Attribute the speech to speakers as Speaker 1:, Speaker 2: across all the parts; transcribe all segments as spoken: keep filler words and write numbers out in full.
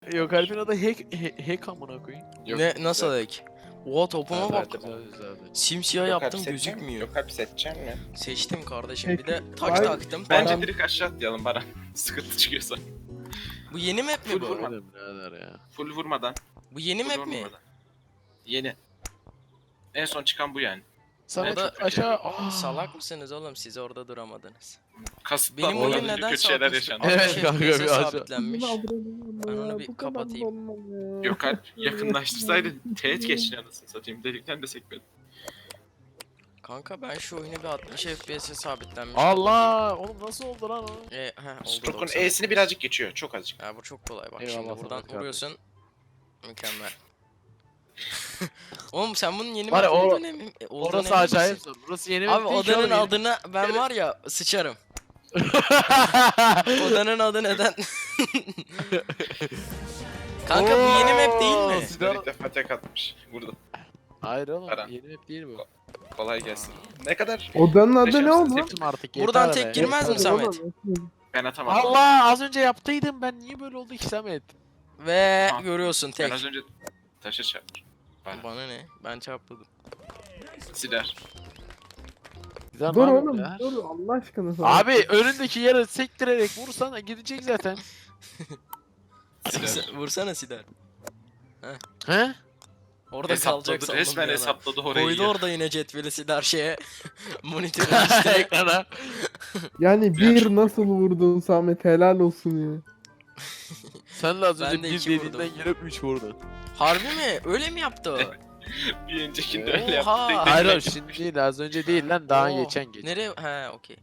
Speaker 1: Yok Alp'in adı hack, hack, hack amına koyayım.
Speaker 2: Yok,
Speaker 3: Ne nasıl
Speaker 2: güzel.
Speaker 3: ek? Oha topuma
Speaker 1: Güzel,
Speaker 3: bak.
Speaker 1: güzel, güzel.
Speaker 3: Simsiyah
Speaker 2: Yok,
Speaker 3: yaptım
Speaker 2: Alp seçecek mi?
Speaker 3: gözükmüyor.
Speaker 2: Yok Alp seçecek mi?
Speaker 3: Seçtim kardeşim. Bir
Speaker 4: Peki,
Speaker 3: de taş
Speaker 4: vay-
Speaker 3: taktım.
Speaker 2: Bence
Speaker 3: Tamam.
Speaker 2: direkt aşağı atlayalım Baran. Sıkıntı çıkıyorsa.
Speaker 3: Bu yeni map mi
Speaker 2: Full
Speaker 3: bu?
Speaker 2: vurma.
Speaker 1: Öyle birader ya.
Speaker 2: Full vurmadan.
Speaker 3: Bu yeni
Speaker 2: full
Speaker 3: map mi?
Speaker 2: vurmadan. Yeni. En son çıkan bu yani.
Speaker 1: Sana
Speaker 3: da-
Speaker 1: aşağı... Aa.
Speaker 3: Salak mısınız oğlum, siz orada duramadınız.
Speaker 2: Kasıtlı
Speaker 3: Benim
Speaker 2: olan
Speaker 3: oyun
Speaker 2: kötü
Speaker 3: neden
Speaker 2: şeyler
Speaker 3: sabit?
Speaker 2: yaşandı.
Speaker 1: Evet,
Speaker 3: altmış
Speaker 1: kanka,
Speaker 3: F P S'e
Speaker 1: bir aşağı-
Speaker 3: sabitlenmiş. Ben onu bir kapatayım.
Speaker 2: Yok Alp yakınlaştırsaydın teğet geçtin anasını satayım. Delikten de sekmedin.
Speaker 3: Kanka ben şu oyunu bir altmış F P S'e sabitlenmiş.
Speaker 1: Allah! Oğlum nasıl oldu lan o?
Speaker 3: E, heh, oldu
Speaker 2: Stroke'un
Speaker 3: doksan.
Speaker 2: E'sini birazcık geçiyor. Çok azıcık.
Speaker 3: Ya bu çok kolay bak,
Speaker 1: Eyvallah
Speaker 3: şimdi
Speaker 1: sana
Speaker 3: buradan
Speaker 1: kardeşim.
Speaker 3: vuruyorsun. Mükemmel. Oğlum sen bunun yeni
Speaker 1: Var ya,
Speaker 3: map
Speaker 1: o-
Speaker 3: olduğunu emin, e, olduğuna
Speaker 1: Orası
Speaker 3: emin
Speaker 1: acayip
Speaker 3: misin?
Speaker 1: zor. Burası yeni
Speaker 3: Abi
Speaker 1: map değil ki
Speaker 3: odanın
Speaker 1: oğlum,
Speaker 3: adına ben var ya sıçarım.
Speaker 1: yeni-
Speaker 3: Odanın adı neden? Kanka bu yeni map değil mi?
Speaker 1: Oo,
Speaker 2: Sizler ilk defa tek atmış. Burada.
Speaker 1: Hayır oğlum,
Speaker 2: Baran.
Speaker 1: yeni map değil bu.
Speaker 2: Kolay gelsin. Ne kadar?
Speaker 4: Odanın adı
Speaker 2: Beşer
Speaker 4: ne oldu?
Speaker 1: Seçtim artık, yeter
Speaker 3: Buradan
Speaker 1: be.
Speaker 3: tek girmez mi
Speaker 4: Hadi
Speaker 3: Samet?
Speaker 4: oğlum.
Speaker 2: Ben atamadım.
Speaker 1: Allah, az önce yaptıydım ben, niye böyle oldu ki Samet?
Speaker 3: Ve
Speaker 2: Ha,
Speaker 3: görüyorsun
Speaker 2: Ben
Speaker 3: tek.
Speaker 2: az önce taşa çarptım. Baran.
Speaker 3: Bana ne? Ben çarpmadım.
Speaker 2: Siler.
Speaker 1: Güzel
Speaker 4: Dur
Speaker 1: abi
Speaker 4: oğlum
Speaker 1: ya.
Speaker 4: dur Allah aşkına sana.
Speaker 1: Abi önündeki yere sektirerek vursana gidecek zaten.
Speaker 2: Siler.
Speaker 3: Vursana Sidar.
Speaker 1: He?
Speaker 3: Orada kalacak
Speaker 2: Hesapladı.
Speaker 3: sandım.
Speaker 2: Resmen
Speaker 3: bir an.
Speaker 2: hesapladı orayı.
Speaker 3: Koydu
Speaker 2: ya.
Speaker 3: orada yine cetveli Sidar şeye. Monitörün üstüne.
Speaker 1: Ekrana.
Speaker 4: Yani bir nasıl vurdun Samet, helal olsun ya.
Speaker 1: Sen de az
Speaker 3: Ben
Speaker 1: önce
Speaker 3: de
Speaker 1: bir
Speaker 3: iki
Speaker 1: dediğinden
Speaker 3: vurdum.
Speaker 1: girip üç vurdun.
Speaker 3: Harbi mi? Öyle mi yaptı o?
Speaker 2: Bir öncekinde öyle yaptı.
Speaker 3: Oha!
Speaker 2: Tek tek
Speaker 1: Hayır
Speaker 2: tek-
Speaker 1: oğlum, şimdi değil, az önce değil lan, daha
Speaker 3: Oo,
Speaker 1: geçen geç.
Speaker 3: Nereye? He okey.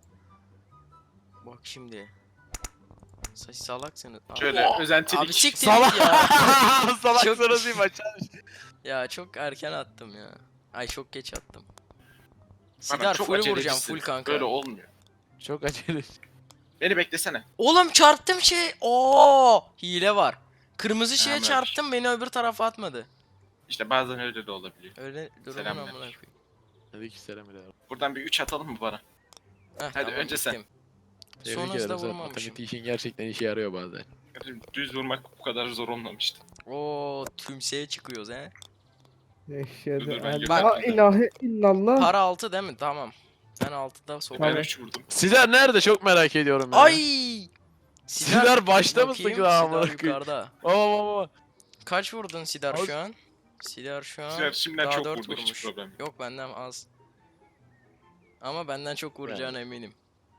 Speaker 3: Bak şimdi. Saç salaksınız. Abi-
Speaker 2: Şöyle özentilik.
Speaker 3: Abi siktir
Speaker 1: Salak.
Speaker 3: git ya.
Speaker 1: Salak
Speaker 3: Çok-
Speaker 1: sonrasıyım açar.
Speaker 3: Ya çok erken attım ya. Ay çok geç attım.
Speaker 2: Bana
Speaker 3: Sidar
Speaker 2: çok
Speaker 3: full vuracağım,
Speaker 2: acelecisin.
Speaker 3: full kanka.
Speaker 2: Böyle olmuyor.
Speaker 1: Çok acele.
Speaker 2: Beni beklesene.
Speaker 3: Oğlum çarptım şey. Oo, hile var. Kırmızı şeye
Speaker 2: Hemen.
Speaker 3: çarptım, beni öbür tarafa atmadı.
Speaker 2: İşte bazen öyle de olabiliyor.
Speaker 3: Öyle durumun
Speaker 2: Selamlar.
Speaker 3: amına koyayım.
Speaker 1: Aleykümselam birader.
Speaker 2: Buradan bir üç atalım mı bana?
Speaker 3: Heh,
Speaker 2: Hadi önce sen.
Speaker 3: gittim.
Speaker 1: Tebrik
Speaker 3: Son hızda
Speaker 1: ederim, sen
Speaker 3: vurmamışım.
Speaker 1: matematik işin gerçekten işe yarıyor bazen.
Speaker 2: Düz vurmak bu kadar zor olmamıştı.
Speaker 3: Oo, tümseye çıkıyoruz he.
Speaker 4: Eşhedü
Speaker 2: Dur, dur, ben
Speaker 4: en
Speaker 2: götüreyim
Speaker 4: la
Speaker 2: de.
Speaker 4: ilahe illallah.
Speaker 3: Para altı değil mi? Tamam. Ben altıda
Speaker 2: Ben
Speaker 3: sokarım.
Speaker 2: üç vurdum.
Speaker 1: Sidar nerede, çok merak ediyorum ya.
Speaker 3: Ay!
Speaker 1: Sidar başta mısın
Speaker 3: bakayım,
Speaker 1: lan
Speaker 3: Sidar
Speaker 1: amına koyayım?
Speaker 3: yukarıda.
Speaker 1: Baba baba.
Speaker 3: Kaç vurdun Sidar
Speaker 1: Az-
Speaker 3: şu an? Sidar şu an
Speaker 2: Sizler şimdiden
Speaker 3: daha
Speaker 2: çok
Speaker 3: dört
Speaker 2: vurdu, hiç
Speaker 3: vurmuş.
Speaker 2: problem yok.
Speaker 3: Yok benden az. Ama benden çok vuracağına eminim.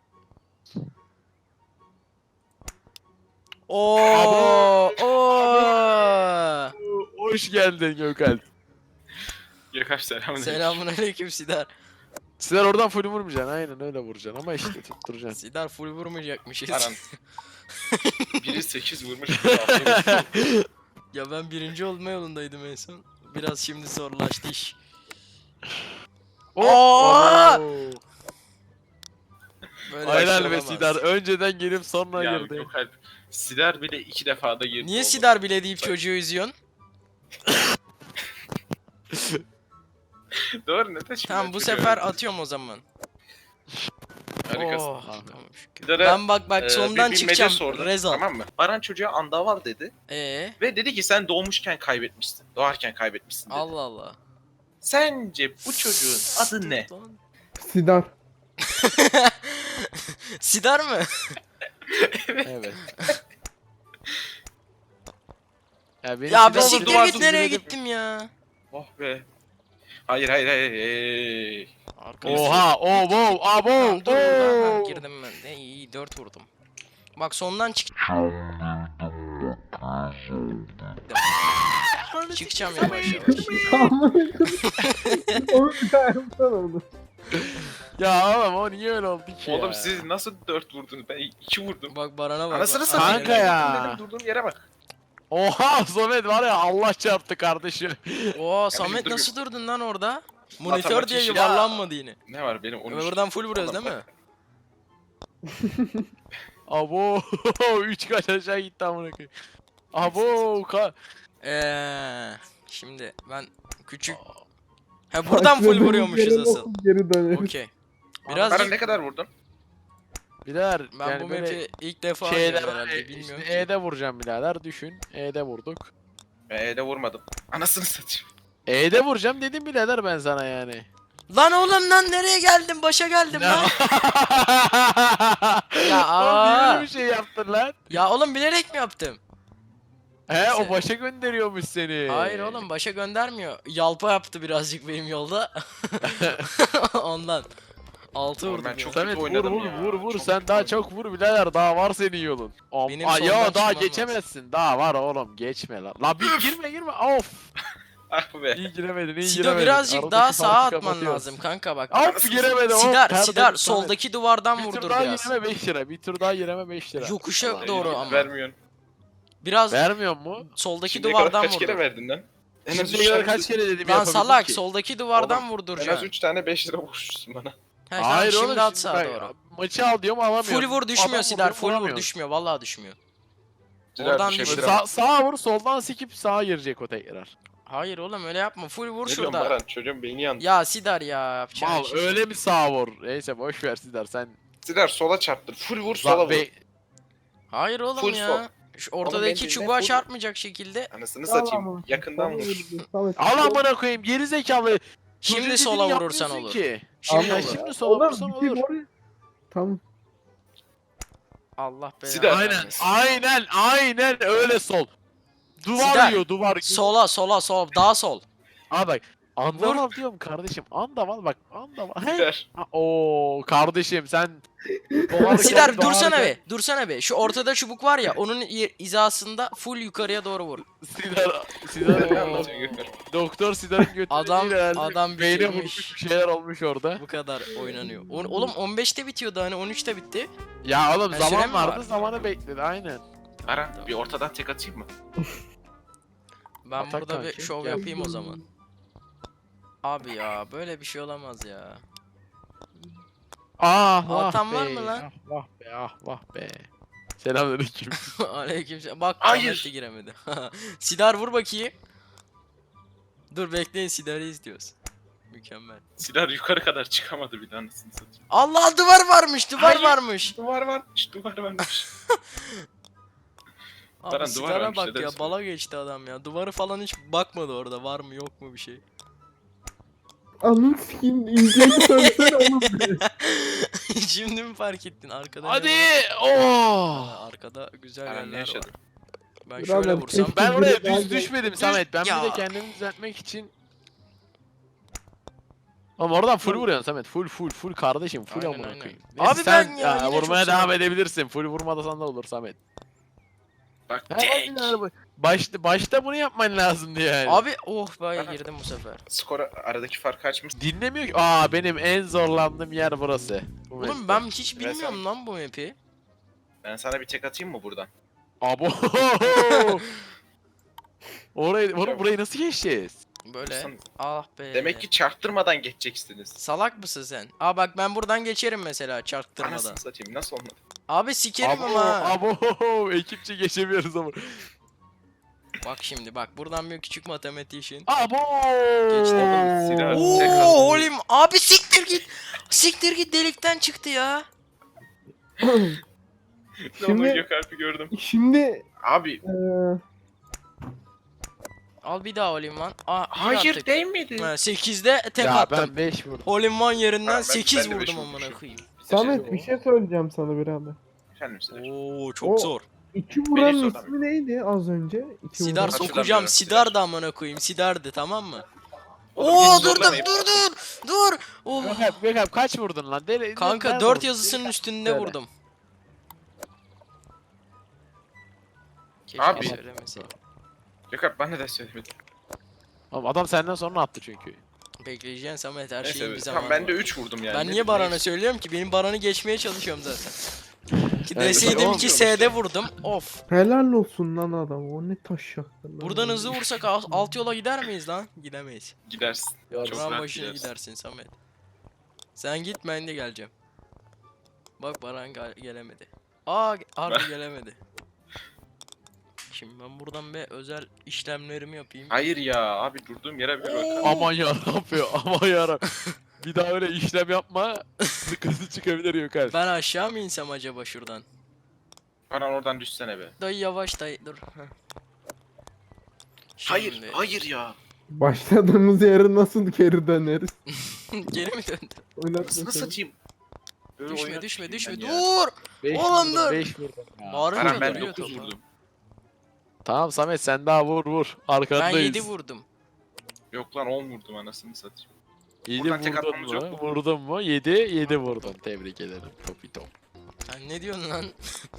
Speaker 3: Oo! Oo!
Speaker 1: Hoş geldin Gökalp.
Speaker 2: Yakar selamın.
Speaker 3: Selamünaleyküm Sidar.
Speaker 1: Sidar oradan full vurmayacaksın, aynen öyle vuracaksın ama işte tutturacaksın.
Speaker 3: Sidar full vurmayacakmışız.
Speaker 2: Aran. Biri sekiz vurmuş. biri altı vurmuş.
Speaker 3: Ya ben birinci olma yolundaydım en son. Biraz şimdi zorlaştı iş.
Speaker 1: Oo!
Speaker 3: Oo! Böyle bir şey
Speaker 1: Aynen be
Speaker 3: olamaz.
Speaker 1: Sidar, önceden gelip sonra
Speaker 2: Ya
Speaker 1: girdi.
Speaker 2: yok Alp. Sider bile iki defada girdi.
Speaker 3: Niye
Speaker 2: oldu.
Speaker 3: Sidar bile deyip çocuğu üzüyorsun?
Speaker 2: Doğru ne taşıyor?
Speaker 3: Tamam bu sefer atıyorum o zaman.
Speaker 2: Harikasın.
Speaker 3: Oh,
Speaker 1: Tamam.
Speaker 3: tamam şükür.
Speaker 2: Sidar'a,
Speaker 3: Ben bak bak
Speaker 2: Ee,
Speaker 3: sondan
Speaker 2: bir bilmece
Speaker 3: çıkacağım.
Speaker 2: sordum,
Speaker 3: Rezal.
Speaker 2: tamam mı? Baran çocuğa anda var dedi.
Speaker 3: Ee,
Speaker 2: Ve dedi ki sen doğmuşken kaybetmişsin. Doğarken kaybetmişsin dedi.
Speaker 3: Allah Allah.
Speaker 2: Sence bu çocuğun adı ne?
Speaker 4: Sidar.
Speaker 3: Sidar mı?
Speaker 1: Evet. Ya, beni
Speaker 3: Ya bir
Speaker 1: Sidar
Speaker 3: siktir
Speaker 1: duvarsız
Speaker 3: git, nereye
Speaker 1: dinledim.
Speaker 3: gittim ya?
Speaker 2: Oh be. Hayır hayır hayır. Hey.
Speaker 3: Arkadaşlar.
Speaker 1: Oha, oh, wow, abo,
Speaker 3: Tamam, dur buradan. Ha,
Speaker 1: oh.
Speaker 3: girdim ben de. İyi iyi dört vurdum. Bak sondan çık. Çıkacağım yavaş yavaş.
Speaker 4: Onu bir daha yapsana onu.
Speaker 1: Ya oğlum o niye öyle oldu ki
Speaker 2: Oğlum
Speaker 1: ya?
Speaker 2: siz nasıl dört vurdunuz? Ben iki vurdum.
Speaker 3: Bak Baran'a bak.
Speaker 2: Anasını
Speaker 3: bak.
Speaker 2: satayım.
Speaker 1: Kanka ya.
Speaker 2: Vurdum dedim, durduğum yere bak.
Speaker 1: Oha Samet var ya, Allah çarptı kardeşim.
Speaker 3: Oo Samet
Speaker 2: dur-
Speaker 3: nasıl durdun lan orada? Monitör
Speaker 2: Matematik
Speaker 3: diye
Speaker 2: işi-
Speaker 3: yuvarlanmadı yine.
Speaker 2: Ne var benim on üç.
Speaker 3: Buradan full vuruyoruz değil mi?
Speaker 1: Abo üç kaç aşağı gitti amına koyayım. Abo ka
Speaker 3: Eee şimdi ben küçük. Ha buradan full vuruyormuşuz
Speaker 4: Başladığımız yere
Speaker 3: asıl.
Speaker 4: nasıl Geri döneriz.
Speaker 3: Okey.
Speaker 2: Baran
Speaker 3: Birazcık
Speaker 2: ne kadar vurdun?
Speaker 1: Birader
Speaker 3: Ben
Speaker 1: yani
Speaker 3: bu
Speaker 1: böyle
Speaker 3: map'i ilk defa
Speaker 1: şeyler
Speaker 3: oynuyorum herhalde
Speaker 1: işte
Speaker 3: bilmiyorum. ki.
Speaker 1: E'de vuracağım birader düşün. E'de vurduk.
Speaker 2: Eee de vurmadım. Anasını satayım.
Speaker 1: E'de vuracağım dedim birader ben sana yani.
Speaker 3: Lan oğlum lan nereye geldim? Başa geldim lan. Ya,
Speaker 1: Oğlum niye
Speaker 3: aa.
Speaker 1: böyle bir şey yaptın lan?
Speaker 3: Ya oğlum bilerek mi yaptım?
Speaker 1: He o
Speaker 3: Neyse.
Speaker 1: başa gönderiyormuş seni.
Speaker 3: Hayır oğlum başa göndermiyor. Yalpa yaptı birazcık benim yolda. Ondan. Altı
Speaker 2: Oğlum
Speaker 3: vurdu.
Speaker 2: ben
Speaker 3: bir.
Speaker 2: çok
Speaker 1: Samet
Speaker 2: kötü
Speaker 1: vur
Speaker 2: oynadım
Speaker 1: vur
Speaker 2: ya.
Speaker 1: vur vur
Speaker 2: Çok
Speaker 1: sen
Speaker 2: kötü
Speaker 1: daha
Speaker 2: oynadım.
Speaker 1: çok vur birader daha var senin yolun. Am
Speaker 3: Benim
Speaker 1: Aa,
Speaker 3: soldan
Speaker 1: ya daha
Speaker 3: çıkmam
Speaker 1: geçemezsin daha var oğlum geçme lan. La bir girme girme of.
Speaker 2: Ah be.
Speaker 1: İyi giremedin iyi
Speaker 3: Sido
Speaker 1: giremedin.
Speaker 3: birazcık
Speaker 1: Aradaki
Speaker 3: daha
Speaker 1: farkı
Speaker 3: sağa atman
Speaker 1: kapatıyoruz.
Speaker 3: lazım kanka bak.
Speaker 1: Of giremedi of.
Speaker 3: Sidar
Speaker 1: perde-
Speaker 3: Sidar
Speaker 1: Samet,
Speaker 3: soldaki duvardan
Speaker 1: bir tur
Speaker 3: vurdur
Speaker 1: daha
Speaker 3: biraz.
Speaker 1: gireme beş lira. Bir tur daha gireme beş lira.
Speaker 3: Yokuşa
Speaker 1: Vallahi
Speaker 3: doğru
Speaker 1: iyi.
Speaker 3: ama.
Speaker 2: Vermiyorsun.
Speaker 3: Biraz
Speaker 1: Vermiyor mu?
Speaker 3: soldaki
Speaker 2: Şimdiye kadar
Speaker 3: duvardan
Speaker 2: kaç kere
Speaker 3: vurdur.
Speaker 2: verdin lan? En az
Speaker 1: Şimdiye
Speaker 2: üç
Speaker 1: kadar
Speaker 2: tane,
Speaker 1: kaç kere dedim
Speaker 3: Lan
Speaker 1: yapabildin
Speaker 3: salak
Speaker 1: ki?
Speaker 3: soldaki duvardan
Speaker 2: en az
Speaker 3: vurduracaksın.
Speaker 2: üç tane beş lira vurmuşsun bana.
Speaker 3: He tamam
Speaker 1: Hayır
Speaker 3: şimdi
Speaker 1: oğlum
Speaker 3: at
Speaker 1: şimdi
Speaker 3: sağa
Speaker 1: bak,
Speaker 3: doğru.
Speaker 1: maçı al diyorum alamıyorum.
Speaker 3: Full vur düşmüyor
Speaker 1: Adam
Speaker 3: Sidar
Speaker 1: vuruyor,
Speaker 3: full vur
Speaker 1: vuramıyor.
Speaker 3: düşmüyor vallahi düşmüyor.
Speaker 2: Sidar
Speaker 3: Oradan
Speaker 2: düşebilir
Speaker 3: düşün.
Speaker 2: ama.
Speaker 1: Sa sağa vur soldan sikip sağa girecek o tekrar.
Speaker 3: Hayır oğlum öyle yapma full vur
Speaker 2: Ne diyorsun
Speaker 3: şurada.
Speaker 2: Baran? Çocuğun beyni yandı.
Speaker 3: Ya Sidar ya yapacağın
Speaker 1: Mal
Speaker 3: şey.
Speaker 1: öyle mi sağa vur? Neyse boş ver Sidar sen.
Speaker 2: Sidar sola çarptır. Full vur sola
Speaker 1: Lan
Speaker 2: vur.
Speaker 1: be-
Speaker 3: Hayır oğlum
Speaker 2: Full
Speaker 3: ya.
Speaker 2: sol.
Speaker 3: Şu
Speaker 2: Oğlum
Speaker 3: ortadaki
Speaker 2: bence
Speaker 3: çubuğa
Speaker 2: ne full-
Speaker 3: çarpmayacak şekilde.
Speaker 2: Anasını
Speaker 4: Tamam,
Speaker 2: satayım. Yakından vur.
Speaker 4: Samet,
Speaker 1: Al amına koyayım geri zekalı.
Speaker 3: Şimdi
Speaker 1: Çocuğun
Speaker 3: sola
Speaker 1: dediğini
Speaker 3: vurursan
Speaker 1: yapmıyorsun
Speaker 3: olur.
Speaker 1: Ki.
Speaker 3: Şimdi
Speaker 1: Ya
Speaker 3: olur.
Speaker 1: şimdi sola vurursan
Speaker 4: Oğlum, bir
Speaker 1: olur.
Speaker 4: oraya- Tamam.
Speaker 3: Allah belanı
Speaker 2: Sidar.
Speaker 1: Aynen
Speaker 3: vermesin.
Speaker 1: aynen aynen öyle sol. Duvar
Speaker 3: Sidar,
Speaker 1: yiyor duvar.
Speaker 3: Sola sola sol daha sol.
Speaker 1: Aa bak andaval diyorum kardeşim andaval bak andaval. He?
Speaker 2: Sidar.
Speaker 1: Ha, Oo kardeşim sen dolar
Speaker 3: Sidar
Speaker 1: dolar-
Speaker 3: dursana be. Dursana be. Şu ortada çubuk var ya onun i- hizasında full yukarıya doğru vur.
Speaker 1: Sidar Sidar
Speaker 2: Ne anlatıyorsun Gökhan?
Speaker 1: Doktor Sidar'ın götüne
Speaker 3: Adam-
Speaker 1: değil herhalde.
Speaker 3: adam
Speaker 1: Beyne
Speaker 3: bitirmiş.
Speaker 1: vurmuş bir şeyler olmuş orada.
Speaker 3: Bu kadar oynanıyor. O- Oğlum on beşte bitiyordu hani on üçte bitti.
Speaker 1: Ya oğlum
Speaker 3: Ha, süre
Speaker 1: zaman
Speaker 3: mi
Speaker 1: vardı
Speaker 3: var?
Speaker 1: zamanı bekledi aynen.
Speaker 2: Baran bir ortadan tek atayım mı?
Speaker 3: Ben
Speaker 1: Atak
Speaker 3: burada bir
Speaker 1: kanki,
Speaker 3: şov
Speaker 1: gel.
Speaker 3: yapayım o zaman. Abi ya böyle bir şey olamaz ya.
Speaker 1: Ah vah
Speaker 3: Altan var
Speaker 1: be,
Speaker 3: mı lan?
Speaker 1: Ah vah be ah vah be. Selamünaleyküm.
Speaker 3: Aleykümselam. Bak
Speaker 2: Hayır.
Speaker 3: Ahmet de giremedi. Sidar vur bakayım. Dur bekleyin Sidar'ı izliyoruz. Mükemmel.
Speaker 2: Sidar yukarı kadar çıkamadı bir de anasını satayım.
Speaker 3: Allah duvar varmış, duvar
Speaker 2: Hayır.
Speaker 3: varmış.
Speaker 2: Duvar varmış, duvar varmış.
Speaker 3: Abi
Speaker 2: Baran, duvar
Speaker 3: Sidar'a
Speaker 2: varmış,
Speaker 3: bak
Speaker 2: neden
Speaker 3: ya
Speaker 2: söylüyorsun?
Speaker 3: bala geçti adam ya. Duvarı falan hiç bakmadı orada var mı yok mu bir şey.
Speaker 4: Anın sikiyim inceyi söylesene oğlum.
Speaker 3: Şimdi mi fark ettin arkada? ne
Speaker 1: Hadi.
Speaker 3: var?
Speaker 1: Oh.
Speaker 3: Aa, arkada güzel
Speaker 2: Baran ne
Speaker 3: yerler var.
Speaker 2: yaşadı?
Speaker 3: Ben
Speaker 4: Birader,
Speaker 3: şöyle vursam.
Speaker 4: keşke-
Speaker 1: Ben oraya
Speaker 4: Ben
Speaker 1: düz
Speaker 4: de-
Speaker 1: düşmedim Samet. Ben
Speaker 3: Ya.
Speaker 1: bir de kendimi düzeltmek için. Ama oradan full vuruyorsun Samet. Full full full kardeşim. Full
Speaker 3: Aynen,
Speaker 1: amına
Speaker 3: aynen.
Speaker 1: koyayım.
Speaker 3: Abi
Speaker 1: Neyse sen
Speaker 3: ben ya, yine çok
Speaker 1: vurmaya devam
Speaker 3: severim.
Speaker 1: edebilirsin. Full vurmadasan da olur Samet.
Speaker 2: Bak
Speaker 1: Ha,
Speaker 2: tek.
Speaker 1: bak, bak. Başta, başta bunu yapman lazımdı yani.
Speaker 3: Abi oh be
Speaker 2: Baran.
Speaker 3: girdim bu sefer.
Speaker 2: Skora aradaki farkı açmış.
Speaker 1: Dinlemiyor ki. Aa benim en zorlandığım yer burası. Bu
Speaker 3: Oğlum
Speaker 1: map'te.
Speaker 3: ben hiç
Speaker 2: Mesela-
Speaker 3: bilmiyorum lan bu map'i.
Speaker 2: Ben sana bir tek atayım mı buradan?
Speaker 1: Abo. Orayı, oğlum burayı nasıl geçeceğiz?
Speaker 3: Böyle.
Speaker 2: Sen-
Speaker 3: Ah be.
Speaker 2: Demek ki çarptırmadan geçeceksiniz.
Speaker 3: Salak mısın sen? Aa bak ben buradan geçerim mesela çarptırmadan.
Speaker 2: Anasını satayım nasıl olmadı?
Speaker 3: Abi sikerim
Speaker 1: Abo,
Speaker 3: ama. ha.
Speaker 1: abo, ekipçe geçemiyoruz ama.
Speaker 3: Bak şimdi bak buradan bir küçük matematiğin.
Speaker 1: Abo.
Speaker 3: Geçti.
Speaker 2: Oğlum, silah-
Speaker 3: Oo
Speaker 2: tek attım.
Speaker 3: oğlum abi siktir git. Siktir git delikten çıktı ya.
Speaker 2: Şimdi...
Speaker 4: Şimdi-
Speaker 2: Gökalp'i gördüm.
Speaker 3: şey-
Speaker 4: Şimdi
Speaker 2: Abi
Speaker 4: eee
Speaker 3: Al bir daha olim lan. Aa, bir
Speaker 2: hayır
Speaker 3: attık.
Speaker 2: değil miydi?
Speaker 3: Ha, sekizde tek
Speaker 1: Ya
Speaker 3: attım.
Speaker 1: ben beş vurdum.
Speaker 3: Olim one yerinden
Speaker 2: Ha, ben-
Speaker 3: sekiz
Speaker 2: ben de beş
Speaker 3: vurdum amına
Speaker 2: vurmuşum.
Speaker 3: koyayım.
Speaker 4: Samet bir şey söyleyeceğim sana birader.
Speaker 2: Efendim Sidar.
Speaker 3: Oo çok
Speaker 4: O-
Speaker 3: zor.
Speaker 4: İki
Speaker 2: Beni
Speaker 4: vuranın
Speaker 2: soramıyor.
Speaker 4: ismi neydi az önce? İki
Speaker 3: Sidar
Speaker 4: vuran.
Speaker 2: Hatırlamıyorum,
Speaker 3: sokacağım.
Speaker 2: Sidar.
Speaker 3: Sidar da amına koyayım. Sidar'dı tamam mı?
Speaker 2: Oğlum,
Speaker 3: Oo
Speaker 2: hiç
Speaker 3: durdum
Speaker 2: zorlamayın.
Speaker 3: dur dur dur. Oh.
Speaker 1: Gökhan, Gökhan kaç vurdun lan? Deli,
Speaker 3: Kanka
Speaker 1: nerede
Speaker 3: dört
Speaker 1: vurdun?
Speaker 3: yazısının üstünde
Speaker 1: Söyle.
Speaker 3: vurdum. Keşke
Speaker 2: Abi.
Speaker 3: söylemeseydim.
Speaker 2: Gökalp bana da söylemedi.
Speaker 1: Oğlum adam senden sonra attı çünkü.
Speaker 3: Bekleyeceksin Samet her
Speaker 2: Neyse
Speaker 3: şeyin bir
Speaker 2: evet.
Speaker 3: zamanı
Speaker 2: Tamam ben de
Speaker 3: var.
Speaker 2: üç vurdum yani.
Speaker 3: Ben
Speaker 2: Ne
Speaker 3: niye
Speaker 2: bileyim,
Speaker 3: Baran'a
Speaker 2: neyse.
Speaker 3: söylüyorum ki? Benim Baran'ı geçmeye çalışıyorum zaten. Ki
Speaker 1: Evet,
Speaker 3: deseydim
Speaker 2: olmuyor
Speaker 3: ki
Speaker 2: işte.
Speaker 3: S'de vurdum. Of.
Speaker 4: Helal olsun lan adam. O ne taş yaktı lan.
Speaker 3: Buradan hızlı vursak al- alt yola gider miyiz lan? Gidemeyiz.
Speaker 2: Gidersin. Çok
Speaker 3: Buran
Speaker 2: rahat
Speaker 3: başına
Speaker 2: gidersin.
Speaker 3: gidersin Samet. Sen git ben de geleceğim. Bak Baran gel- gelemedi. Aa ge- harbi gelemedi. Şimdi ben buradan bir özel işlemlerimi yapayım.
Speaker 2: Hayır ya abi durduğum yere bir bak.
Speaker 3: Oo.
Speaker 1: Aman yarabbim aman yarabbim. Bir daha öyle işlem yapma. Sıkıntı çıkabilir Gökhan.
Speaker 3: Ben aşağı mı insem acaba şuradan?
Speaker 2: Baran oradan düşsene be.
Speaker 3: Dayı yavaş dayı dur. Heh.
Speaker 2: Hayır,
Speaker 3: Şimdi-
Speaker 2: hayır ya.
Speaker 4: Başladığımız yere nasıl geri döneriz?
Speaker 3: Geri mi döndü?
Speaker 4: Oynat
Speaker 2: Nasıl
Speaker 4: bakalım.
Speaker 2: satayım? Böyle
Speaker 3: Düşme
Speaker 2: oynat
Speaker 3: düşme
Speaker 2: ben
Speaker 3: düşme
Speaker 2: ya.
Speaker 3: dur.
Speaker 1: beş
Speaker 3: Oğlum
Speaker 1: vurdum,
Speaker 3: dur.
Speaker 1: beş vurdum ya.
Speaker 3: Bağırınca
Speaker 2: Baran ben
Speaker 3: duruyor
Speaker 2: dokuz
Speaker 3: topa.
Speaker 2: vurdum.
Speaker 1: Tamam Samet sen daha vur vur.
Speaker 3: Ben
Speaker 1: Arkandayız.
Speaker 3: yedi vurdum.
Speaker 2: Yok lan on vurdum anasını satayım.
Speaker 1: yedi
Speaker 2: Buradan tek
Speaker 1: vurdun
Speaker 2: atmamız yok
Speaker 1: mu?
Speaker 2: mu?
Speaker 1: Vurdun mu? yedi, yedi vurdun. Tebrik ederim. Topito.
Speaker 3: Sen ne diyorsun lan?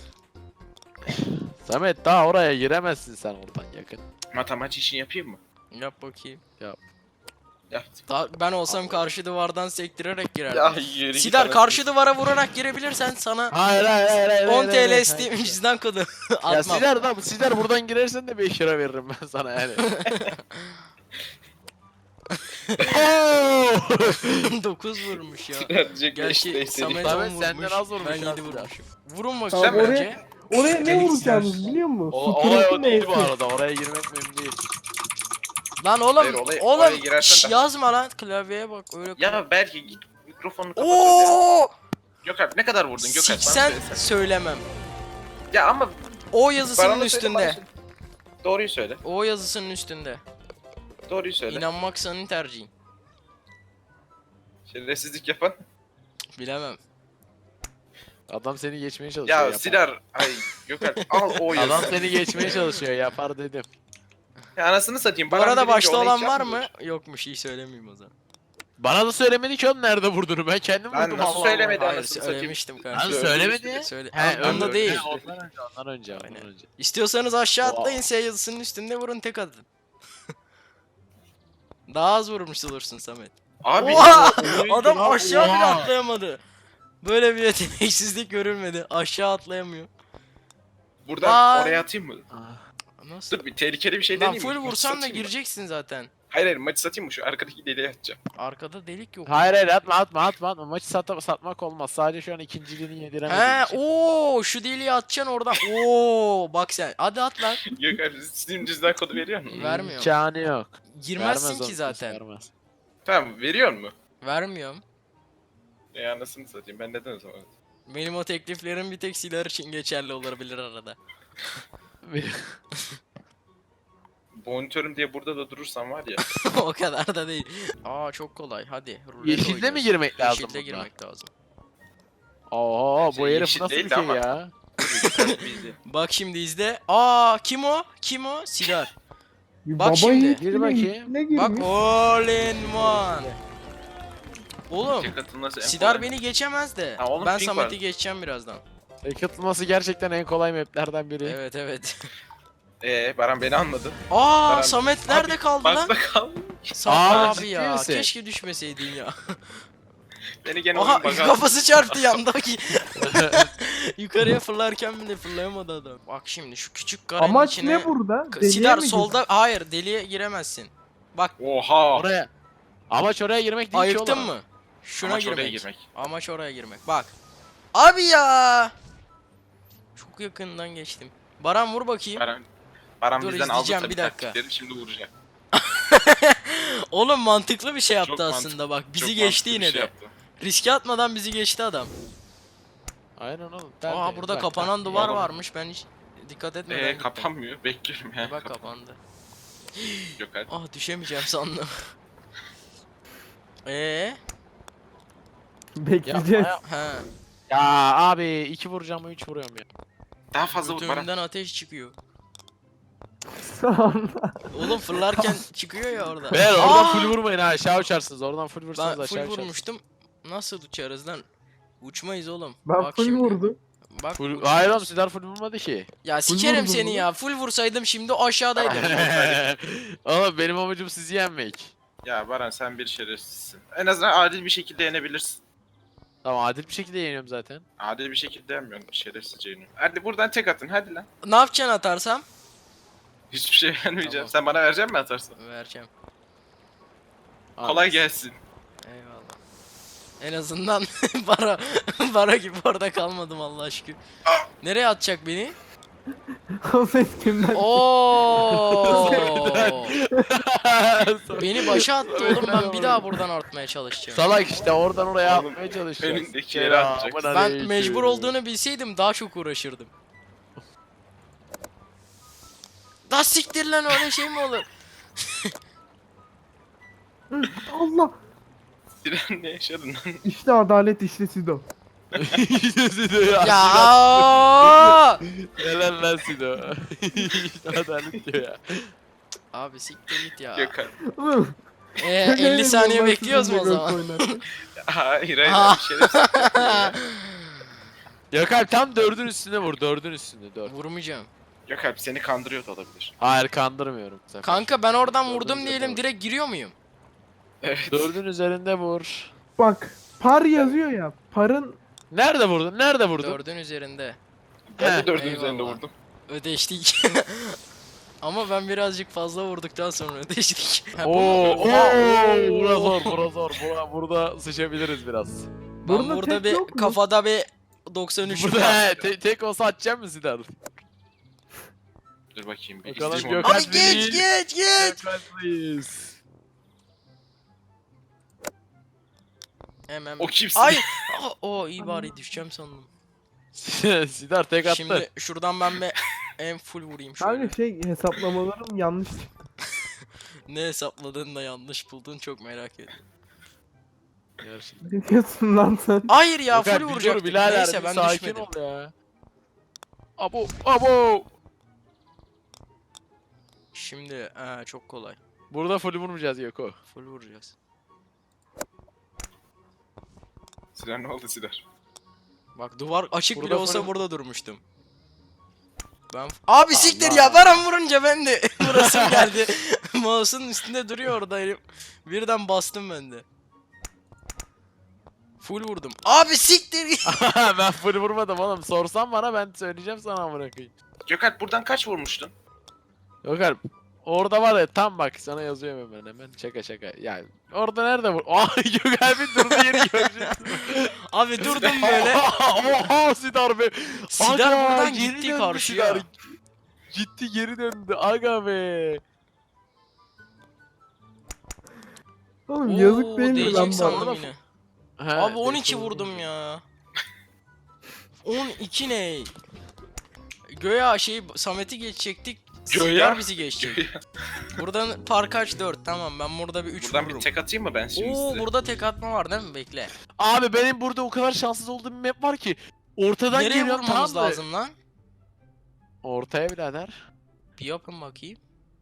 Speaker 1: Samet daha oraya giremezsin sen oradan yakın.
Speaker 2: Matematik işini yapayım mı?
Speaker 3: Yap bakayım.
Speaker 2: Yaptım.
Speaker 3: Daha ben olsam karşı duvardan sektirerek girerdim.
Speaker 2: Ya yürü git
Speaker 3: Sidar
Speaker 2: anasını
Speaker 3: karşı duvara vurarak girebilirsen sana
Speaker 1: Hayır hayır hayır hayır.
Speaker 3: on T L Steam cüzdan kodu
Speaker 1: Ya
Speaker 3: atmam.
Speaker 1: Sidar da Sidar buradan girersen de beş lira veririm ben sana yani.
Speaker 3: dokuz vurmuş ya.
Speaker 2: Sidar diyecek beş
Speaker 3: Gerçi
Speaker 2: de
Speaker 3: Samet
Speaker 2: istedi.
Speaker 1: Samet
Speaker 3: on
Speaker 1: senden
Speaker 3: vurmuş.
Speaker 1: az vurmuş
Speaker 3: Ben
Speaker 1: ya
Speaker 3: yedi
Speaker 1: Sidar.
Speaker 3: vurmuşum. Vurun
Speaker 4: Tamam,
Speaker 3: bakayım
Speaker 2: oraya-
Speaker 3: önce.
Speaker 4: Oraya ne
Speaker 2: Deliksiz
Speaker 4: vuracağınız
Speaker 2: yer.
Speaker 4: biliyor musun?
Speaker 1: O,
Speaker 4: Su
Speaker 1: olay o
Speaker 4: küresi
Speaker 1: değil bu
Speaker 4: neyse.
Speaker 1: arada. Oraya girmek mühim değil.
Speaker 3: Lan oğlum,
Speaker 2: Hayır, olaya- oraya
Speaker 3: oğlum
Speaker 2: girersen
Speaker 3: şş,
Speaker 2: de-
Speaker 3: yazma lan klavyeye bak öyle.
Speaker 2: Ya belki git mikrofonunu kapat. ya.
Speaker 3: Oo!
Speaker 2: Gökalp ne kadar vurdun Gökalp? bana
Speaker 3: Siksen
Speaker 2: söylesene.
Speaker 3: söylemem.
Speaker 2: Ya ama
Speaker 3: O yazısının
Speaker 2: Baran'a söyle,
Speaker 3: üstünde.
Speaker 2: bana söyle. Doğruyu söyle.
Speaker 3: O yazısının üstünde.
Speaker 2: Doğruyu söyle.
Speaker 3: İnanmak senin tercihin.
Speaker 2: Şerefsizlik yapan.
Speaker 3: Bilemem.
Speaker 1: Adam seni geçmeye çalışıyor.
Speaker 2: Ya
Speaker 1: yapar.
Speaker 2: Sidar. Ay Gökalp al o yazı.
Speaker 1: Adam seni geçmeye çalışıyor. Yapar dedim.
Speaker 2: Ya anasını satayım.
Speaker 3: Bu
Speaker 2: Baran
Speaker 3: arada
Speaker 2: birinci,
Speaker 3: başta
Speaker 2: ona
Speaker 3: olan
Speaker 2: hiç
Speaker 3: var
Speaker 2: yapmıyor.
Speaker 3: mı? Yokmuş, iyi söylemeyeyim o zaman.
Speaker 1: Bana da söylemedi ki oğlum nerede vurduğunu. Ben kendim
Speaker 2: Lan
Speaker 1: vurdum.
Speaker 2: nasıl
Speaker 1: Allah
Speaker 2: söylemedi?
Speaker 1: Allah.
Speaker 3: Hayır
Speaker 2: anasını satayım.
Speaker 3: söylemiştim
Speaker 1: Lan
Speaker 3: kardeşim.
Speaker 2: Söyle.
Speaker 1: söylemedi.
Speaker 3: Söyle.
Speaker 1: He,
Speaker 3: Aa, onda
Speaker 1: öyle.
Speaker 3: değil.
Speaker 1: He, Ondan önce, ondan önce, ondan
Speaker 3: Aynen.
Speaker 1: önce.
Speaker 3: İstiyorsanız aşağı
Speaker 1: Oha.
Speaker 3: atlayın, S yazısının üstünde vurun, tek atın. Daha az vurmuş olursun Samet.
Speaker 2: Abi.
Speaker 3: Oha!
Speaker 2: oyun-
Speaker 3: Adam
Speaker 1: lan,
Speaker 3: aşağı bile
Speaker 1: oha.
Speaker 3: atlayamadı. Böyle bir yeteneksizlik görülmedi. Aşağı atlayamıyor.
Speaker 2: Buradan
Speaker 3: Vay.
Speaker 2: oraya atayım mı?
Speaker 3: Nasıl?
Speaker 2: Dur bir tehlikeli bir şey
Speaker 3: Lan
Speaker 2: deneyeyim
Speaker 3: full
Speaker 2: mi? Maçı
Speaker 3: vursan da
Speaker 2: satayım mı?
Speaker 3: gireceksin zaten.
Speaker 2: Hayır hayır maçı satayım mı? Şu arkadaki deliğe atacağım.
Speaker 3: Arkada delik yok.
Speaker 1: Hayır hayır atma atma atma atma. Maçı sat satmak olmaz. Sadece şu an ikinciliğini yediremediğim
Speaker 3: He,
Speaker 1: için.
Speaker 3: ooo şu deliği atacaksın oradan. Oo bak sen. Hadi at lan.
Speaker 2: Gökalp Steam cüzdan kodu veriyor mu?
Speaker 3: Vermiyor.
Speaker 1: İmkanı yok.
Speaker 3: Girmezsin
Speaker 1: Vermez
Speaker 3: ki
Speaker 1: oğlum,
Speaker 3: zaten.
Speaker 1: vermez.
Speaker 2: Tamam veriyor mu?
Speaker 3: Vermiyorum.
Speaker 2: E anasını satayım ben neden o zaman?
Speaker 3: Benim o tekliflerim bir tek silah için geçerli olabilir arada.
Speaker 2: Monitörüm diye burada da durursam var ya.
Speaker 3: O kadar da değil. Aa çok kolay. Hadi. rulet
Speaker 1: Yeşilde mi
Speaker 3: oynuyoruz.
Speaker 1: girmek lazım
Speaker 3: Yeşilde
Speaker 1: bunda?
Speaker 3: girmek lazım.
Speaker 1: Oo
Speaker 2: Şey,
Speaker 1: bu herif
Speaker 2: yeşil
Speaker 1: nasıl
Speaker 2: değil
Speaker 1: bir
Speaker 2: de
Speaker 1: şey
Speaker 2: ama.
Speaker 1: ya?
Speaker 2: Bizde.
Speaker 3: Bak şimdi izle. Aa kim o? Kim o? Sidar.
Speaker 4: Bir
Speaker 3: Bak
Speaker 4: baba
Speaker 3: şimdi.
Speaker 4: yiğit
Speaker 1: Gir
Speaker 4: yine
Speaker 1: bakayım.
Speaker 4: içine
Speaker 3: Bak
Speaker 4: girmiş.
Speaker 3: all in one. Oğlum
Speaker 2: Tek atılması en
Speaker 3: Sidar
Speaker 2: kolay.
Speaker 3: beni geçemez de.
Speaker 2: Ha, oğlum
Speaker 3: Ben
Speaker 2: ping
Speaker 3: Samet'i
Speaker 2: var.
Speaker 3: geçeceğim birazdan.
Speaker 1: Tek atılması gerçekten en kolay maplerden biri.
Speaker 3: Evet evet.
Speaker 2: Eee Baran beni anladı.
Speaker 3: Aa
Speaker 2: Baran-
Speaker 3: Samet nerede
Speaker 2: Abi,
Speaker 3: kaldı lan?
Speaker 2: Bakta kal.
Speaker 3: Samet
Speaker 1: Aa,
Speaker 3: abi
Speaker 1: ciddi
Speaker 3: ya.
Speaker 1: misin?
Speaker 3: Keşke düşmeseydin ya.
Speaker 2: Beni gene
Speaker 3: Aha
Speaker 2: oyun baga.
Speaker 3: kafası çarptı yandaki. Yukarıya fırlarken bile fırlayamadı adam. Bak şimdi şu küçük karenin
Speaker 4: Amaç
Speaker 3: içine...
Speaker 4: ne burada?
Speaker 3: K-
Speaker 4: Deliğe
Speaker 3: Sidar
Speaker 4: mi
Speaker 3: solda, hayır deliğe giremezsin. Bak
Speaker 2: Oha.
Speaker 1: Oraya. Amaç oraya girmek değil ki
Speaker 3: ayıktın
Speaker 1: oğlum.
Speaker 3: mı? Şuna
Speaker 2: Amaç
Speaker 3: girmek.
Speaker 2: oraya girmek.
Speaker 3: Amaç oraya girmek. Bak. Abi ya. Çok yakından geçtim. Baran vur bakayım.
Speaker 2: Baran, Baran
Speaker 3: Dur,
Speaker 2: bizden aldı
Speaker 3: izleyeceğim,
Speaker 2: tabii
Speaker 3: bir dakika.
Speaker 2: taktikleri şimdi vuracak.
Speaker 3: Oğlum mantıklı bir şey yaptı
Speaker 2: Çok
Speaker 3: aslında bak. Bizi
Speaker 2: Çok
Speaker 3: geçti
Speaker 2: mantıklı bir
Speaker 3: yine
Speaker 2: şey
Speaker 3: de.
Speaker 2: yaptı.
Speaker 3: Riske atmadan bizi geçti adam.
Speaker 1: Aynen oğlum.
Speaker 3: Aa
Speaker 1: tertemiz.
Speaker 3: burada
Speaker 1: Bak,
Speaker 3: kapanan
Speaker 1: bak.
Speaker 3: duvar
Speaker 2: Oğlum.
Speaker 3: varmış. Ben hiç dikkat etmedim.
Speaker 2: Eee kapanmıyor. Bekliyorum ya.
Speaker 3: Bak kapandı.
Speaker 2: Yok hadi.
Speaker 3: Ah düşemeyeceğim sandım. Eee?
Speaker 4: Bekleyeceğiz.
Speaker 3: He.
Speaker 1: Ya abi iki vuracağım mı üç vuruyorum ya.
Speaker 2: Daha fazla vur Baran.
Speaker 3: Götümden ateş çıkıyor.
Speaker 4: Sonra.
Speaker 3: Oğlum fırlarken çıkıyor ya orada.
Speaker 1: Beyler oradan
Speaker 3: Aa!
Speaker 1: full vurmayın ha aşağı uçarsınız. Oradan full vursanız
Speaker 3: Ben
Speaker 1: aşağı
Speaker 3: full
Speaker 1: uçarsınız.
Speaker 3: vurmuştum. Nasıl uçarız lan? Uçmayız oğlum.
Speaker 4: Ben
Speaker 3: Bak
Speaker 4: full
Speaker 3: şimdi.
Speaker 4: vurdum.
Speaker 3: Bak.
Speaker 1: Full... Hayır oğlum Sidar full vurmadı ki.
Speaker 3: Ya
Speaker 4: Full
Speaker 3: sikerim
Speaker 4: vurdun
Speaker 3: seni
Speaker 4: mu?
Speaker 3: ya. Full vursaydım şimdi aşağıdaydım.
Speaker 1: Oğlum benim amacım sizi yenmek.
Speaker 2: Ya Baran sen bir şerefsizsin. En azından adil bir şekilde yenebilirsin.
Speaker 1: Tamam adil bir şekilde yeniyorum zaten.
Speaker 2: Adil bir şekilde yenmiyorsun. Şerefsizce yeniyorsun. Hadi buradan tek atın hadi lan.
Speaker 3: Ne yapacaksın atarsam?
Speaker 2: Hiçbir şey vermeyeceğim.
Speaker 3: Tamam.
Speaker 2: Sen bana verecek misin atarsan?
Speaker 3: Vereceğim.
Speaker 2: Kolay gelsin.
Speaker 3: Eyvallah. En azından bara bara gibi orada kalmadım Allah aşkına. Nereye atacak beni?
Speaker 4: O ses kimden?
Speaker 3: Oo! Oo. Beni başa attı oğlum, ben bir daha buradan artmaya çalışacağım.
Speaker 1: Salak işte oradan oraya
Speaker 2: Oğlum,
Speaker 1: atmaya çalışıyor.
Speaker 2: önündekileri atacaksın.
Speaker 3: Ben mecbur olduğunu bilseydim daha çok uğraşırdım. Da siktir lan, öyle şey mi olur?
Speaker 4: Allah.
Speaker 2: Siren ne yaşadın lan?
Speaker 4: İşte adalet, işte Sido.
Speaker 1: ya.
Speaker 3: Ya.
Speaker 1: Helal lan Sido. İşte adalet diyor ya.
Speaker 3: Abi siktir git ya.
Speaker 2: Gökhan.
Speaker 4: Oğlum,
Speaker 3: Ee, elli saniye bekliyoruz mu o zaman?
Speaker 2: Hayır hayır
Speaker 3: Aa.
Speaker 2: bir şerefsiz.
Speaker 1: Gökhan tam dördün üstüne vur. Dördün üstüne dört.
Speaker 3: Vurmayacağım.
Speaker 2: Gökhan seni kandırıyor da olabilir.
Speaker 1: Hayır kandırmıyorum. bu sefer.
Speaker 3: Kanka ben oradan
Speaker 1: Dördün
Speaker 3: vurdum
Speaker 1: üzerinde
Speaker 3: diyelim,
Speaker 1: vur.
Speaker 3: direkt giriyor muyum?
Speaker 2: Evet.
Speaker 1: Dördün üzerinde vur.
Speaker 4: bak par yazıyor ya. Parın
Speaker 1: Nerede vurdun? Nerede vurdun?
Speaker 3: Dördün üzerinde.
Speaker 2: Ben
Speaker 1: He,
Speaker 2: de dördün
Speaker 3: eyvallah.
Speaker 2: üzerinde vurdum.
Speaker 3: Ödeştik. Ama ben birazcık fazla vurduktan sonra ödeştik. Ha, bu
Speaker 1: Oo,
Speaker 3: mu?
Speaker 1: oo,
Speaker 3: Oo.
Speaker 1: bura zor, bura zor. Bura, burada sıçabiliriz biraz.
Speaker 3: Ben
Speaker 4: Burada
Speaker 3: burada,
Speaker 4: tek
Speaker 3: bir
Speaker 4: yok mu?
Speaker 3: kafada bir doksan üç
Speaker 1: Burada
Speaker 3: var.
Speaker 1: he, te- tek olsa atacak mısın Sinan?
Speaker 2: Dur bakayım bir
Speaker 1: Bakalım
Speaker 2: izleyeyim onu.
Speaker 1: Gökhan.
Speaker 3: Abi geç geç geç.
Speaker 1: Gökhan please.
Speaker 3: Hemen.
Speaker 2: O kimsin?
Speaker 3: Ay. Aa, o iyi bari düşeceğim sandım.
Speaker 1: Sidar tek attı.
Speaker 3: Şimdi şuradan ben bir en full vurayım şöyle.
Speaker 4: Kanka şey hesaplamalarım yanlış çıktı.
Speaker 3: Ne hesapladın da yanlış buldun, çok merak ediyorum.
Speaker 1: Gerçekten.
Speaker 4: Ne diyorsun lan sen?
Speaker 3: Hayır ya,
Speaker 1: Gökhan,
Speaker 3: full
Speaker 1: bir dur
Speaker 3: vuracaktık.
Speaker 1: birader,
Speaker 3: Neyse
Speaker 1: bir
Speaker 3: ben
Speaker 1: sakin
Speaker 3: düşmedim.
Speaker 1: ol ya. Abo, abo.
Speaker 3: Şimdi ha, çok kolay.
Speaker 1: Burada full vurmayacağız Yoko.
Speaker 3: Full vuracağız.
Speaker 2: Siren ne oldu Siren?
Speaker 3: Bak duvar açık
Speaker 1: Burada
Speaker 3: bile olsa
Speaker 1: full-
Speaker 3: burada durmuştum. Ben abi siktir
Speaker 1: Allah.
Speaker 3: ya, Baran vurunca ben de burasım geldi. Mouse'un üstünde duruyor orada elim. Birden bastım ben de. Full vurdum. Abi siktir.
Speaker 1: Ben full vurmadım oğlum. Sorsan bana ben söyleyeceğim sana amına koyayım.
Speaker 2: Gökhan buradan kaç vurmuştun?
Speaker 1: Gökhan orada var ya, tam bak sana yazıyorum hemen hemen. Şaka şaka. Yani orada nerede vur? Ay Gökhan bir durdu yeri göreceksin.
Speaker 3: Abi durdum böyle.
Speaker 1: Oha Sidar be.
Speaker 3: Sidar
Speaker 1: Aga,
Speaker 3: buradan
Speaker 1: geri
Speaker 3: gitti
Speaker 1: döndü
Speaker 3: karşıya.
Speaker 1: Sidar. Gitti geri döndü. Aga be.
Speaker 4: Oğlum
Speaker 3: Oo,
Speaker 4: yazık değil mi
Speaker 3: değecek
Speaker 4: lan
Speaker 3: sandım
Speaker 4: bana?
Speaker 3: yine.
Speaker 1: He,
Speaker 3: Abi on iki
Speaker 1: değişti.
Speaker 3: vurdum ya. on iki ne? Göya şey Samet'i geçecektik.
Speaker 2: Göya?
Speaker 3: Sidar bizi geçecek. Buradan parkaç dört, tamam, ben burada bir üç
Speaker 2: Buradan
Speaker 3: vururum.
Speaker 2: bir tek atayım mı ben şimdi
Speaker 3: Oo,
Speaker 2: size?
Speaker 3: burada tek atma var değil mi? Bekle.
Speaker 1: Abi benim burada o kadar şanssız olduğum bir map var ki. Ortadan
Speaker 3: Nereye
Speaker 1: geliyorum,
Speaker 3: vurmamız
Speaker 1: tamam mı?
Speaker 3: lazım lan?
Speaker 1: Ortaya birader.
Speaker 3: Bir yapın bakayım.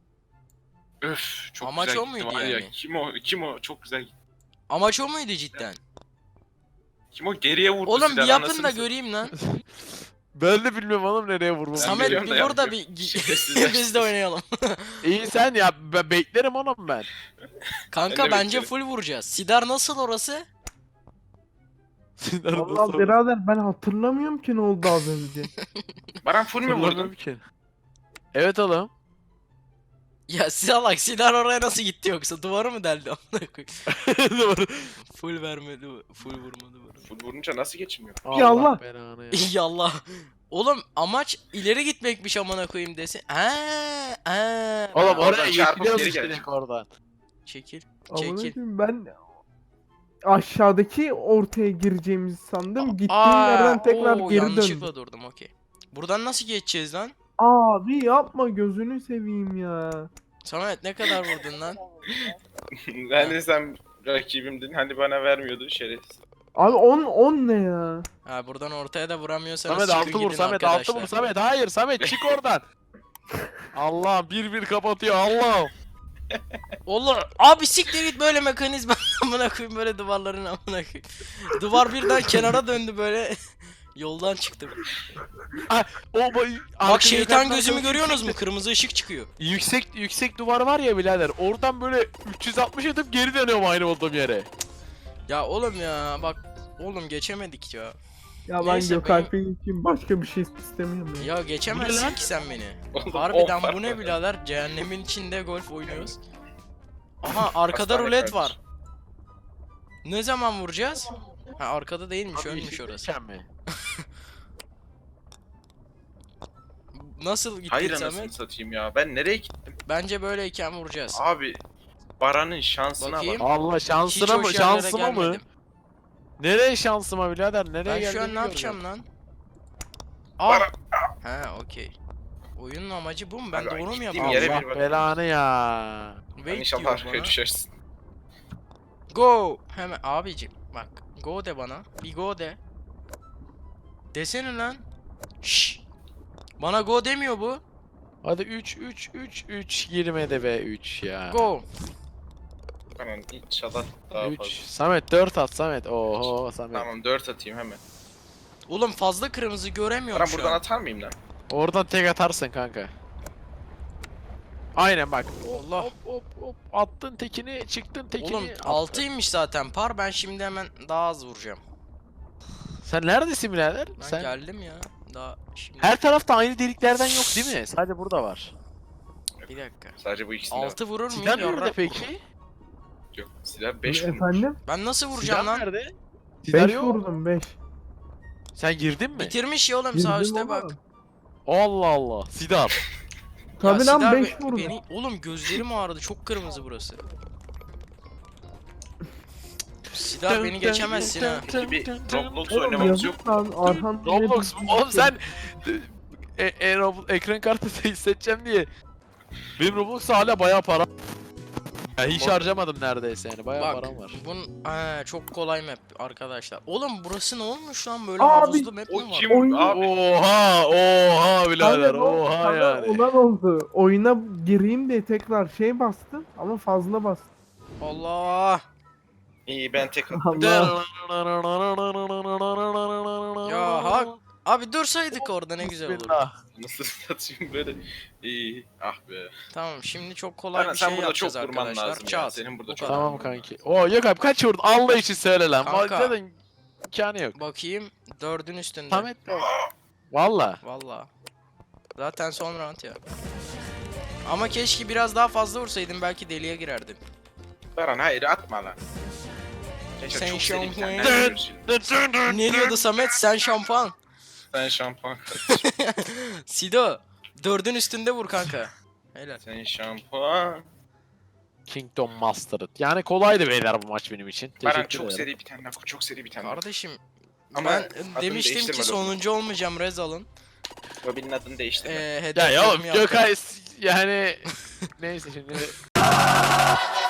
Speaker 2: Öf çok
Speaker 3: Amaç
Speaker 2: güzel
Speaker 3: o
Speaker 2: gitti
Speaker 3: muydu
Speaker 2: var ya.
Speaker 3: yani?
Speaker 2: Kim o? Kim o? Çok güzel gitti.
Speaker 3: Amaç o muydu cidden?
Speaker 2: Kim o? Geriye vurdu
Speaker 3: Oğlum
Speaker 2: Siren,
Speaker 3: bir yapın
Speaker 2: anasını
Speaker 3: da
Speaker 2: satayım.
Speaker 3: göreyim lan.
Speaker 1: Ben de bilmiyorum oğlum nereye vurmam.
Speaker 3: Samet
Speaker 2: biliyorum
Speaker 3: bir
Speaker 2: da
Speaker 3: vur da
Speaker 2: yapmıyorum.
Speaker 3: bir
Speaker 2: Şerefsizler
Speaker 3: biz de oynayalım.
Speaker 1: İyi sen ya, ben beklerim oğlum ben.
Speaker 3: Kanka
Speaker 2: Ben de
Speaker 3: bence
Speaker 2: beklerim.
Speaker 3: full vuracağız. Sidar nasıl orası?
Speaker 1: Sidar
Speaker 4: Vallahi
Speaker 1: nasıl-
Speaker 4: birader ben hatırlamıyorum ki ne oldu az önce.
Speaker 2: Baran full mü vurdun?
Speaker 1: Hatırlamıyorum ki. Evet oğlum.
Speaker 3: Ya salak, Sidar oraya nasıl gitti yoksa duvarı mı deldi amına koyayım?
Speaker 1: Doğru.
Speaker 3: Full vermedi, full vurmadı bana.
Speaker 2: Full vurunca nasıl geçmiyor?
Speaker 4: Ya Allah.
Speaker 1: belanı ya.
Speaker 3: Yallah. Oğlum amaç ileri gitmekmiş amına koyayım desin. Ha, ha.
Speaker 1: Oğlum
Speaker 2: Oradan
Speaker 1: oraya
Speaker 2: çarpıp
Speaker 1: gidiyoruz
Speaker 2: geri
Speaker 1: işte
Speaker 2: gelecek.
Speaker 1: oradan.
Speaker 3: Çekil.
Speaker 4: Amına
Speaker 3: Çekil.
Speaker 4: koyayım, ben aşağıdaki ortaya gireceğimizi sandım. Gittiğim
Speaker 3: Aa,
Speaker 4: yerden tekrar
Speaker 3: oo,
Speaker 4: geri
Speaker 3: yanlışlıkla
Speaker 4: döndüm.
Speaker 3: durdum, okey. Buradan nasıl geçeceğiz lan?
Speaker 4: Abi yapma gözünü seveyim ya.
Speaker 3: Samet ne kadar vurdun lan?
Speaker 2: Hani sen rakibimdin hani bana vermiyordun şerefsiz.
Speaker 4: Abi on on ne ya?
Speaker 3: Ha, buradan ortaya da vuramıyorsanız
Speaker 1: Samet
Speaker 3: çıkın
Speaker 1: altı vur
Speaker 3: gidin
Speaker 1: Samet
Speaker 3: arkadaşlar.
Speaker 1: altı vur Samet. Hayır Samet çık oradan. Allah bir bir kapatıyor Allah.
Speaker 3: Olur. Abi siktir git, böyle mekanizma amına koyayım, böyle duvarların amına koyayım. Duvar birden kenara döndü böyle. Yoldan çıktım.
Speaker 1: O boy-
Speaker 3: Bak
Speaker 1: arkaya
Speaker 3: şeytan
Speaker 1: yukarıdan
Speaker 3: gözümü
Speaker 1: böyle
Speaker 3: görüyorsunuz mu?
Speaker 1: yüksek-
Speaker 3: Kırmızı ışık çıkıyor.
Speaker 1: Yüksek yüksek duvar var ya birader. Oradan böyle üç yüz altmış atıp geri dönüyorum aynı olduğum yere.
Speaker 3: Ya oğlum ya bak, oğlum geçemedik ya.
Speaker 4: Ya ben
Speaker 3: Neyse,
Speaker 4: Gökalp'in için başka bir şey istemiyorum ya.
Speaker 3: Ya geçemezsin
Speaker 1: lan?
Speaker 3: ki sen beni.
Speaker 2: Oğlum,
Speaker 3: Harbiden
Speaker 2: on
Speaker 3: bu ne
Speaker 2: var.
Speaker 3: birader? Cehennemin içinde golf oynuyoruz. Aha arkada
Speaker 2: Hastane
Speaker 3: rulet
Speaker 2: kardeş.
Speaker 3: var. Ne zaman vuracağız? Ha arkada değilmiş,
Speaker 1: Abi
Speaker 3: ölmüş
Speaker 1: yeşil
Speaker 3: orası.
Speaker 1: geçen mi?
Speaker 3: Nasıl gittin
Speaker 2: Hayır anasını
Speaker 3: Samet?
Speaker 2: satayım ya. Ben nereye gittim?
Speaker 3: Bence böyleyken vuracağız.
Speaker 2: Abi Baran'ın şansına
Speaker 3: Bakayım.
Speaker 2: bak.
Speaker 1: Allah
Speaker 3: Hiç
Speaker 1: şansına mı?
Speaker 3: hoş yerlere
Speaker 1: Şansıma mı?
Speaker 3: gelmedim.
Speaker 1: Nereye şansıma birader? Nereye
Speaker 3: Ben şu
Speaker 1: geldiğimi
Speaker 3: an ne yapacağım
Speaker 1: görmüyorum.
Speaker 3: lan? Aa.
Speaker 2: Baran.
Speaker 3: Ha okey. Oyunun amacı bu mu? Ben
Speaker 2: Abi,
Speaker 3: doğru mu
Speaker 2: gittiğim
Speaker 3: yapıyorum?
Speaker 2: yere
Speaker 1: Allah
Speaker 2: bir bak.
Speaker 1: belanı ya.
Speaker 2: Ben
Speaker 3: Wait
Speaker 2: inşallah
Speaker 3: diyor
Speaker 2: arkaya
Speaker 3: bana.
Speaker 2: düşersin.
Speaker 3: Go. Hemen abicim bak. Go de bana. Bir go de. Desene lan. Şşş. Bana go demiyor bu.
Speaker 1: Hadi üç üç üç üç girmedi be üç ya.
Speaker 3: Go.
Speaker 2: Tamam inşallah daha
Speaker 1: üç.
Speaker 2: fazla.
Speaker 1: Samet dört at Samet. Oho Samet.
Speaker 2: Tamam dört atayım hemen.
Speaker 3: Oğlum fazla kırmızı göremiyorum
Speaker 2: Baran
Speaker 3: şu
Speaker 2: buradan
Speaker 3: an.
Speaker 2: atar mıyım lan?
Speaker 1: Oradan tek atarsın kanka. Aynen bak.
Speaker 3: Allah.
Speaker 1: Hop hop hop. Attın tekini, çıktın tekini.
Speaker 3: Oğlum
Speaker 1: attın.
Speaker 3: altıymış zaten par. Ben şimdi hemen daha az vuracağım.
Speaker 1: Sen neredesin birader?
Speaker 3: Ben
Speaker 1: Sen
Speaker 3: geldim ya. Daha şimdi.
Speaker 1: her tarafta aynı deliklerden yok değil mi? Sadece burada var.
Speaker 3: Bir dakika.
Speaker 2: Sadece bu ikisinde var.
Speaker 3: altı vurur muyum?
Speaker 1: Silah nerede
Speaker 3: Yarrak.
Speaker 1: peki?
Speaker 2: Yok silah beş vurmuş.
Speaker 4: Efendim?
Speaker 3: Ben nasıl vuracağım
Speaker 1: Silah
Speaker 3: lan?
Speaker 1: nerede? Silah
Speaker 4: beş
Speaker 1: yok.
Speaker 4: vurdum beş.
Speaker 1: Sen girdin mi?
Speaker 3: Bitirmiş ya oğlum sağ
Speaker 4: Girdim
Speaker 3: üstte
Speaker 4: ama.
Speaker 3: bak.
Speaker 1: Allah Allah. Silah.
Speaker 4: Tabii
Speaker 3: Ya
Speaker 4: lan
Speaker 3: Sidar
Speaker 4: beş
Speaker 3: be-
Speaker 4: vurdum.
Speaker 3: Beni, oğlum gözlerim ağrıdı. Çok kırmızı burası. Sidar beni geçemezsin ha.
Speaker 2: Peki bir Roblox
Speaker 4: Oğlum
Speaker 2: oynamamız yok.
Speaker 4: yazık lan Arhan.
Speaker 1: Roblox mu? Oğlum sen e, e, Rob- ekran kartı seçeceğim diye. Benim Roblox'ta hala bayağı para. Ya hiç harcamadım neredeyse yani bayağı
Speaker 3: Bak
Speaker 1: param var.
Speaker 3: bun Aa, çok kolay map arkadaşlar. Oğlum burası ne olmuş lan böyle
Speaker 4: Abi,
Speaker 3: havuzlu map
Speaker 2: O
Speaker 3: mi var?
Speaker 2: kim
Speaker 4: Oyun-
Speaker 2: abi?
Speaker 1: Oha oha birader oha yani.
Speaker 4: Olan oldu. Oyuna gireyim diye tekrar şey bastım ama fazla bastım.
Speaker 3: Allah.
Speaker 2: İyi ben tek attım.
Speaker 4: Allah.
Speaker 3: Ya hak. Abi dursaydık orada ne güzel olurdu.
Speaker 1: Bismillah.
Speaker 2: Nasıl satayım böyle? İyi. Ah be.
Speaker 3: Tamam şimdi çok kolay
Speaker 2: Sen,
Speaker 3: bir
Speaker 2: sen
Speaker 3: şey
Speaker 2: burada çok
Speaker 3: yapacağız
Speaker 2: vurman
Speaker 3: arkadaşlar.
Speaker 2: lazım ya.
Speaker 3: Çat.
Speaker 2: Senin burada
Speaker 3: Bu
Speaker 2: çok
Speaker 3: kadar.
Speaker 1: Tamam kanki. Oo yok abi kaç vurdun? Allah için söyle lan.
Speaker 3: Kanka.
Speaker 1: Zaten imkanı yok.
Speaker 3: Bakayım dördün üstünde.
Speaker 1: Samet Valla.
Speaker 3: Valla. Zaten son round ya. Ama keşke biraz daha fazla vursaydım belki deliye girerdim.
Speaker 2: Baran hayır atma lan. Keşke
Speaker 3: Sen
Speaker 2: çok seri bir tane
Speaker 3: şampuan-
Speaker 2: görürsün.
Speaker 3: Ne diyordu Samet? Sen şampuan.
Speaker 2: Sen şampuan kardeşim.
Speaker 3: Sido. Dördün üstünde vur kanka. Helal.
Speaker 2: Sen şampuan.
Speaker 1: Kingdom Mastered. Yani kolaydı beyler bu maç benim için.
Speaker 2: Baran
Speaker 1: Teşekkür
Speaker 2: çok
Speaker 1: ederim.
Speaker 2: seri bir tane daha. Çok seri bir tane daha.
Speaker 3: Kardeşim
Speaker 2: Ama
Speaker 3: ben
Speaker 2: adını
Speaker 3: demiştim ki
Speaker 2: değiştirme
Speaker 3: sonuncu olmayacağım Rez alın.
Speaker 2: Robin'in adını değiştirme.
Speaker 3: Ee,
Speaker 1: Ya
Speaker 3: hedeflerimi
Speaker 1: ya oğlum
Speaker 3: yaptım.
Speaker 1: Gökay yani neyse şimdi